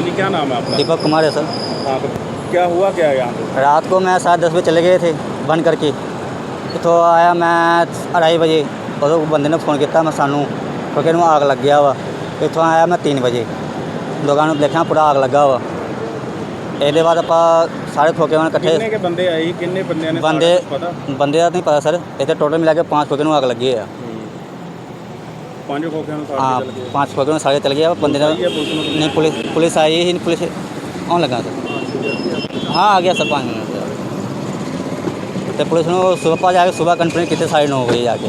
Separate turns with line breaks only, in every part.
हाँ जी, क्या नाम है आपका?
दीपक कुमार है सर।
हाँ, तो क्या हुआ क्या है यहाँ पे?
रात को मैं 10:30 बजे चले गए थे बंद करके। तो आया मैं 2:30 बजे, उदों बंदे ने फ़ोन किया मैं सानू क्योंकि आग लग गया वा। इतों आया मैं 3 बजे, दुकान में देखा पूरा आग लगा वा। ये बाद आप सारे खोखे में इकट्ठे
कितने के बंदे आए ही? कितने बंदे ने?
बंदे
सारा कुछ पता?
बंदे का नहीं पता सर, इतने टोटल मिला के 5 खोखे में आग लगी है।
5 खोखे में
हाँ,
सारे चल गए।
5 खोखे में सारे चल गया बंदे ने।
पुलिस आई है? पुलिस ने
नहीं, पुलिस आई ही नहीं, पुलिस आने लगा सर। हाँ, आ गया सर 5 मिनट तो पुलिस ने सुबह जाके सुबह कंप्लेंट की थी 9:30 बजे जाके।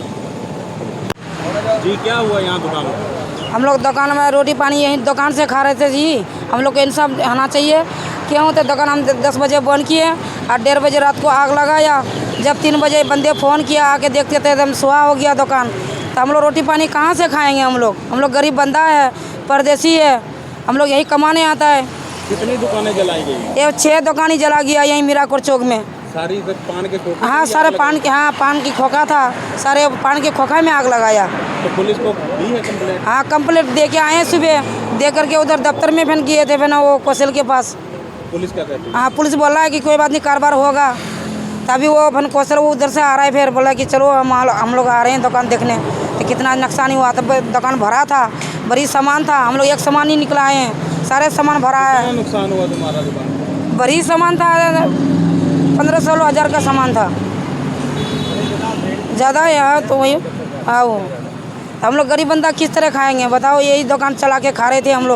जी, क्या हुआ यहाँ दुकान में?
हम लोग दुकान में रोटी पानी यहीं दुकान से खा रहे थे जी। हम लोग को इंसाफ होना चाहिए। क्यों? तो दुकान हम 10 बजे बंद किए और 1:30 बजे रात को आग लगाया। जब 3 बजे बंदे फ़ोन किया, आके देखते थे एकदम सुहा हो गया दुकान। तो हम लोग रोटी पानी कहाँ से खाएंगे? हम लोग गरीब बंदा है, परदेसी है, हम लोग यही कमाने आता है।
कितनी दुकानें जलाई गई?
ये 6 दुकानें जला गया यहीं मीराकोट चौक में।
सारी पान के खोखे?
हाँ, सारे पान के, हाँ पान की खोखा था, सारे पान के खोखा में आग लगाया।
तो पुलिस को दी है कंप्लेंट?
हाँ, कंप्लेंट दे के आए हैं सुबह, दे करके उधर दफ्तर में फिर किए थे फिर वो कौशल के पास।
पुलिस क्या कहती है?
हाँ, पुलिस बोल रहा है कि कोई बात नहीं, कारोबार होगा। तभी वो फिर कौशल वो उधर से आ रहा है, फिर बोला कि चलो हम लोग आ रहे हैं दुकान देखने। तो कितना नुकसान हुआ, तब दुकान भरा था, बड़ी सामान था, हम लोग एक सामान ही निकला है, सारे सामान भरा है।
कितना नुकसान हुआ तुम्हारा दुकान?
बड़ी सामान था, 15-16 हज़ार का सामान था, ज़्यादा है तो वही। हाँ, वो हम लोग गरीब बंदा किस तरह खाएंगे बताओ? यही दुकान चला के खा रहे थे हम लोग।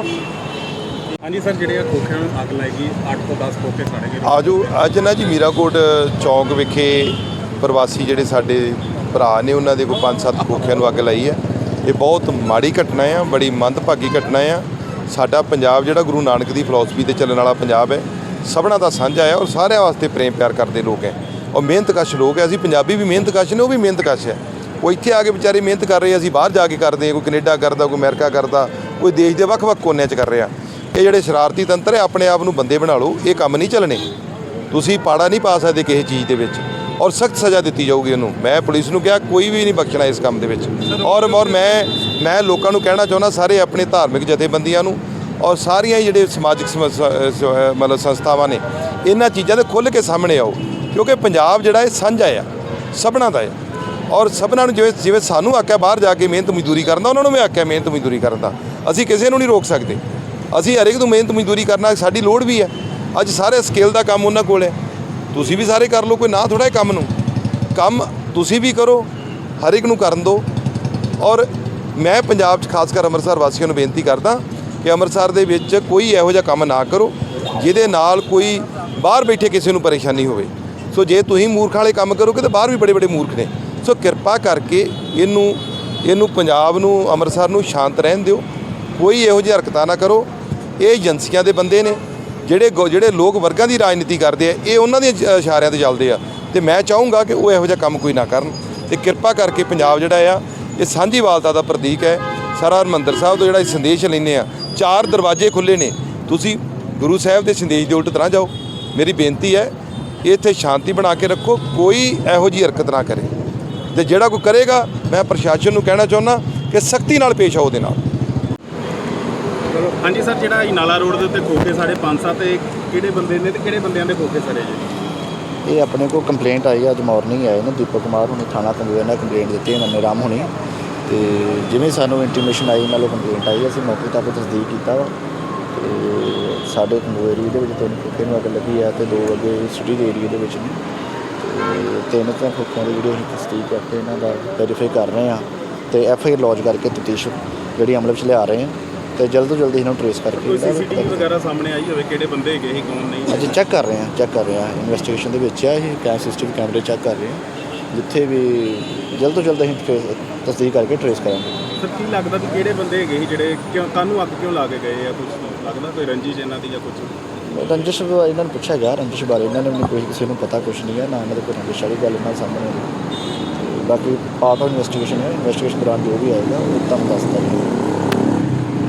हाँ जी सर, ਜਿਹੜੇ ਖੋਖਿਆਂ ਨੂੰ ਅੱਗ ਲੱਗੀ 8 ਤੋਂ 10 ਖੋਖੇ ਸਾੜੇ ਗਏ।
ਆਜੋ ਅੱਜ ਨਾ ਜੀ ਮੀਰਾਕੋਟ ਚੌਂਕ ਵਿਖੇ ਪ੍ਰਵਾਸੀ ਜਿਹੜੇ ਸਾਡੇ ਭਰਾ ਨੇ ਉਹਨਾਂ ਦੇ ਕੋਈ 5-7 ਖੋਖਿਆਂ ਨੂੰ ਅੱਗ ਲਾਈ ਹੈ। ਇਹ ਬਹੁਤ ਮਾੜੀ ਘਟਨਾ ਆ, ਬੜੀ ਮੰਦਭਾਗੀ ਘਟਨਾ ਆ। ਸਾਡਾ ਪੰਜਾਬ ਜਿਹੜਾ ਗੁਰੂ ਨਾਨਕ ਦੀ ਫਿਲਾਸਫੀ ਤੇ ਚੱਲਣ ਵਾਲਾ ਪੰਜਾਬ ਹੈ, ਸਭਨਾਂ ਦਾ ਸਾਂਝਾ ਹੈ ਔਰ ਸਾਰਿਆਂ ਵਾਸਤੇ ਪ੍ਰੇਮ ਪਿਆਰ ਕਰਦੇ ਲੋਕ ਹੈ ਔਰ ਮਿਹਨਤਕਸ਼ ਲੋਕ ਹੈ। ਅਸੀਂ ਪੰਜਾਬੀ ਵੀ ਮਿਹਨਤਕਸ਼ ਨੇ, ਉਹ ਵੀ ਮਿਹਨਤਕਸ਼ ਹੈ। ਉਹ ਇੱਥੇ ਆ ਕੇ ਵਿਚਾਰੇ ਮਿਹਨਤ ਕਰ ਰਹੇ, ਅਸੀਂ ਬਾਹਰ ਜਾ ਕੇ ਕਰਦੇ, ਕੋਈ ਕੈਨੇਡਾ ਕਰਦਾ, ਕੋਈ ਅਮਰੀਕਾ ਕਰਦਾ, ਕੋਈ ਦੇਸ਼ ਦੇ ਵੱਖ-ਵੱਖ ਕੋਨਿਆਂ 'ਚ ਕਰ ਰਿਹਾ। ਇਹ ਜਿਹੜੇ ਸ਼ਰਾਰਤੀ ਤੰਤਰ ਹੈ, ਆਪਣੇ ਆਪ ਨੂੰ ਬੰਦੇ ਬਣਾ ਲਓ, ਇਹ ਕੰਮ ਨਹੀਂ ਚੱਲਣੇ। ਤੁਸੀਂ ਪਾੜਾ ਨਹੀਂ ਪਾ ਸਕਦੇ ਕਿਸੇ ਚੀਜ਼ ਦੇ ਵਿੱਚ ਔਰ ਸਖਤ ਸਜ਼ਾ ਦਿੱਤੀ ਜਾਊਗੀ ਉਹਨੂੰ। ਮੈਂ ਪੁਲਿਸ ਨੂੰ ਕਿਹਾ ਕੋਈ ਵੀ ਨਹੀਂ ਬਖਸ਼ਣਾ ਇਸ ਕੰਮ ਦੇ ਵਿੱਚ। ਔਰ ਮੈਂ ਲੋਕਾਂ ਨੂੰ ਕਹਿਣਾ ਚਾਹੁੰਦਾ, ਸਾਰੇ ਆਪਣੇ ਧਾਰਮਿਕ ਜਥੇਬੰਦੀਆਂ ਨੂੰ ਔਰ ਸਾਰੀਆਂ ਜਿਹੜੇ ਸਮਾਜਿਕ ਮਤਲਬ ਸੰਸਥਾਵਾਂ ਨੇ, ਇਹਨਾਂ ਚੀਜ਼ਾਂ ਦੇ ਖੁੱਲ੍ਹ ਕੇ ਸਾਹਮਣੇ ਆਓ ਕਿਉਂਕਿ ਪੰਜਾਬ ਜਿਹੜਾ ਇਹ ਸਾਂਝਾ ਆ, ਸਭਨਾਂ ਦਾ ਹੈ ਔਰ ਸਭਨਾਂ ਨੂੰ ਜਿਵੇਂ ਸਾਨੂੰ ਆਖਿਆ ਬਾਹਰ ਜਾ ਕੇ ਮਿਹਨਤ ਮਜ਼ਦੂਰੀ ਕਰਨ ਦਾ, ਉਹਨਾਂ ਨੂੰ ਵੀ ਆਖਿਆ ਮਿਹਨਤ ਮਜ਼ਦੂਰੀ ਕਰਨ ਦਾ। ਅਸੀਂ ਕਿਸੇ ਨੂੰ ਨਹੀਂ ਰੋਕ ਸਕਦੇ, ਅਸੀਂ ਹਰੇਕ ਨੂੰ ਮਿਹਨਤ ਮਜ਼ਦੂਰੀ ਕਰਨਾ ਸਾਡੀ ਲੋੜ ਵੀ ਹੈ। ਅੱਜ ਸਾਰੇ ਸਕੇਲ ਦਾ ਕੰਮ ਉਹਨਾਂ ਕੋਲ ਹੈ, ਤੁਸੀਂ ਵੀ ਸਾਰੇ ਕਰ ਲਓ, ਕੋਈ ਨਾ ਥੋੜ੍ਹਾ ਕੰਮ ਨੂੰ। ਕੰਮ ਤੁਸੀਂ ਵੀ ਕਰੋ, ਹਰ ਇੱਕ ਨੂੰ ਕਰਨ ਦਿਓ। ਔਰ ਮੈਂ ਪੰਜਾਬ 'ਚ ਖਾਸ ਕਰ ਅੰਮ੍ਰਿਤਸਰ ਵਾਸੀਆਂ ਨੂੰ ਬੇਨਤੀ ਕਰਦਾ ਕਿ ਅੰਮ੍ਰਿਤਸਰ ਦੇ ਵਿੱਚ ਕੋਈ ਇਹੋ ਜਿਹਾ ਕੰਮ ਨਾ ਕਰੋ ਜਿਹਦੇ ਨਾਲ ਕੋਈ ਬਾਹਰ ਬੈਠੇ ਕਿਸੇ ਨੂੰ ਪਰੇਸ਼ਾਨੀ ਹੋਵੇ। ਸੋ ਜੇ ਤੁਸੀਂ ਮੂਰਖਾਂ ਵਾਲੇ ਕੰਮ ਕਰੋਗੇ ਤਾਂ ਬਾਹਰ ਵੀ ਬੜੇ ਬੜੇ ਮੂਰਖ ਨੇ। ਸੋ ਕਿਰਪਾ ਕਰਕੇ ਇਹਨੂੰ ਪੰਜਾਬ ਨੂੰ, ਅੰਮ੍ਰਿਤਸਰ ਨੂੰ ਸ਼ਾਂਤ ਰਹਿਣ ਦਿਓ, ਕੋਈ ਇਹੋ ਜਿਹੀ ਹਰਕਤਾਂ ਨਾ ਕਰੋ। ਇਹ ਏਜੰਸੀਆਂ ਦੇ ਬੰਦੇ ਨੇ ਜਿਹੜੇ ਲੋਕ ਵਰਗਾਂ ਦੀ ਰਾਜਨੀਤੀ ਕਰਦੇ ਆ, ਇਹ ਉਹਨਾਂ ਦੇ ਇਸ਼ਾਰਿਆਂ ਤੇ ਚੱਲਦੇ ਆ ਤੇ ਮੈਂ ਚਾਹੂੰਗਾ ਕਿ ਉਹ ਇਹੋ ਜਿਹਾ ਕੰਮ ਕੋਈ ਨਾ ਕਰਨ। ਤੇ ਕਿਰਪਾ ਕਰਕੇ ਪੰਜਾਬ ਜਿਹੜਾ ਆ ਇਹ ਸਾਂਝੀਵਾਲਤਾ ਦਾ ਪ੍ਰਤੀਕ ਹੈ। ਸਾਰਾ ਹਰਿਮੰਦਰ ਸਾਹਿਬ ਤੋਂ ਜਿਹੜਾ ਸੰਦੇਸ਼ ਲੈਂਦੇ ਆ, 4 ਦਰਵਾਜ਼ੇ ਖੁੱਲ੍ਹੇ ਨੇ, ਤੁਸੀਂ ਗੁਰੂ ਸਾਹਿਬ ਦੇ ਸੰਦੇਸ਼ ਦੇ ਉਲਟ ਤਰ੍ਹਾਂ ਜਾਓ। ਮੇਰੀ ਬੇਨਤੀ ਹੈ ਇੱਥੇ ਸ਼ਾਂਤੀ ਬਣਾ ਕੇ ਰੱਖੋ, ਕੋਈ ਇਹੋ ਜਿਹੀ ਹਰਕਤ ਨਾ ਕਰੇ ਤੇ ਜਿਹੜਾ ਕੋਈ ਕਰੇਗਾ ਮੈਂ ਪ੍ਰਸ਼ਾਸਨ ਨੂੰ ਕਹਿਣਾ ਚਾਹੁੰਦਾ ਕਿ ਸਖਤੀ ਨਾਲ ਪੇਸ਼ ਆਓ ਉਹਦੇ ਨਾਲ।
हाँ जी सर, ਜਿਹੜਾ ਨਾਲਾ ਰੋਡ ਦੇ ਉੱਤੇ ਖੋਖੇ ਸਾਡੇ 5-7 ਕਿਹੜੇ ਬੰਦੇ ਨੇ ਤੇ ਕਿਹੜੇ ਬੰਦਿਆਂ ਦੇ ਖੋਖੇ ਸੜੇ ਜੀ?
ਇਹ ਆਪਣੇ ਕੋਲ ਕੰਪਲੇਂਟ ਆਈ ਅੱਜ ਮਾਰਨਿੰਗ ਆਏ ਨੇ, ਦੀਪਕ ਕੁਮਾਰ ਹੁਣੀ ਥਾਣਾ ਪੰਜਵੇਰ ਨਾਲ ਕੰਪਲੇਂਟ ਦਿੱਤੀ ਹੈ, ਨੰਨੇ ਰਾਮ ਹੁਣੀ। ਤੇ ਜਿਵੇਂ ਸਾਨੂੰ ਇੰਟੀਮੇਸ਼ਨ ਆਈ ਨਾਲੋਂ ਕੰਪਲੇਂਟ ਆਈ, ਅਸੀਂ ਮੌਕੇ ਤੱਕ ਤਸਦੀਕ ਕੀਤਾ ਵਾ ਤੇ ਸਾਡੇ ਪੰਜਵੇਰ ਦੇ ਵਿੱਚ 3 ਖੋਖੇ ਨੂੰ ਅੱਗ ਲੱਗੀ ਆ ਤੇ 2 ਅੱਗੇ ਸਿਟੀ ਦੇ ਏਰੀਏ ਦੇ ਵਿੱਚ ਨੇ ਤੇ 3 ਤਾਂ ਖੋਖਿਆਂ ਦੀ ਜਿਹੜੀ ਅਸੀਂ ਤਸਦੀਕ ਕਰਕੇ ਇਹਨਾਂ ਦਾ ਵੈਰੀਫਾਈ ਕਰ ਰਹੇ ਹਾਂ ਤੇ FIR ਲੌਜ ਕਰਕੇ ਤਫਤੀਸ਼ ਜਿਹੜੀ ਅਮਲ ਵਿੱਚ ਲਿਆ ਰਹੇ ਹਾਂ ਤੇ ਜਲਦ ਤੋਂ ਜਲਦ ਇਹਨਾਂ ਨੂੰ ਟਰੇਸ ਕਰਕੇ
ਕੋਈ CCTV ਵਗੈਰਾ ਸਾਹਮਣੇ ਆਈ ਹੋਵੇ ਕਿਹੜੇ ਬੰਦੇ ਹੈਗੇ ਸੀ, ਕੌਣ ਨਹੀਂ?
ਅਸੀਂ ਚੈੱਕ ਕਰ ਰਹੇ ਹਾਂ ਇਨਵੈਸਟੀਗੇਸ਼ਨ ਦੇ ਵਿੱਚ ਆ ਇਹ CCTV ਕੈਮਰੇ ਚੈੱਕ ਕਰ ਰਹੇ ਹਾਂ, ਜਿੱਥੇ ਵੀ ਜਲਦ ਤੋਂ ਜਲਦ ਅਸੀਂ ਤਸਦੀਕ ਕਰਕੇ ਟਰੇਸ ਕਰਾਂਗੇ।
ਸਰ ਕੀ ਲੱਗਦਾ ਵੀ ਕਿਹੜੇ ਬੰਦੇ ਹੈਗੇ ਸੀ ਜਿਹੜੇ ਤੁਹਾਨੂੰ ਅੱਗ ਕਿਉਂ ਲਾ ਕੇ ਗਏ ਆ? ਕੁਝ ਲੱਗਦਾ ਕੋਈ ਰੰਜਿਸ਼ ਇਹਨਾਂ ਦੀ ਜਾਂ ਕੁਝ?
ਰੰਜਿਸ਼ ਇਹਨਾਂ ਨੂੰ ਪੁੱਛਿਆ ਗਿਆ, ਰੰਜਿਸ਼ ਬਾਰੇ ਇਹਨਾਂ ਨੇ ਕੋਈ ਕਿਸੇ ਨੂੰ ਪਤਾ ਕੁਛ ਨਹੀਂ ਹੈ, ਨਾ ਇਹਨਾਂ ਦੇ ਕੋਈ ਰੰਜਿਸ਼ ਵਾਲੀ ਗੱਲ ਇਹਨਾਂ ਸਾਹਮਣੇ ਆਈ। ਬਾਕੀ ਪਾਰਟ ਆਫ ਇਨਵੈਸਟੀਗੇਸ਼ਨ ਹੈ, ਇਨਵੈਸਟੀਗੇਸ਼ਨ ਦੌਰਾਨ ਜੋ ਵੀ ਆਏਗਾ ਉਹ ਤੁਹਾਨੂੰ ਦੱਸ ਦਾਂਗੇ।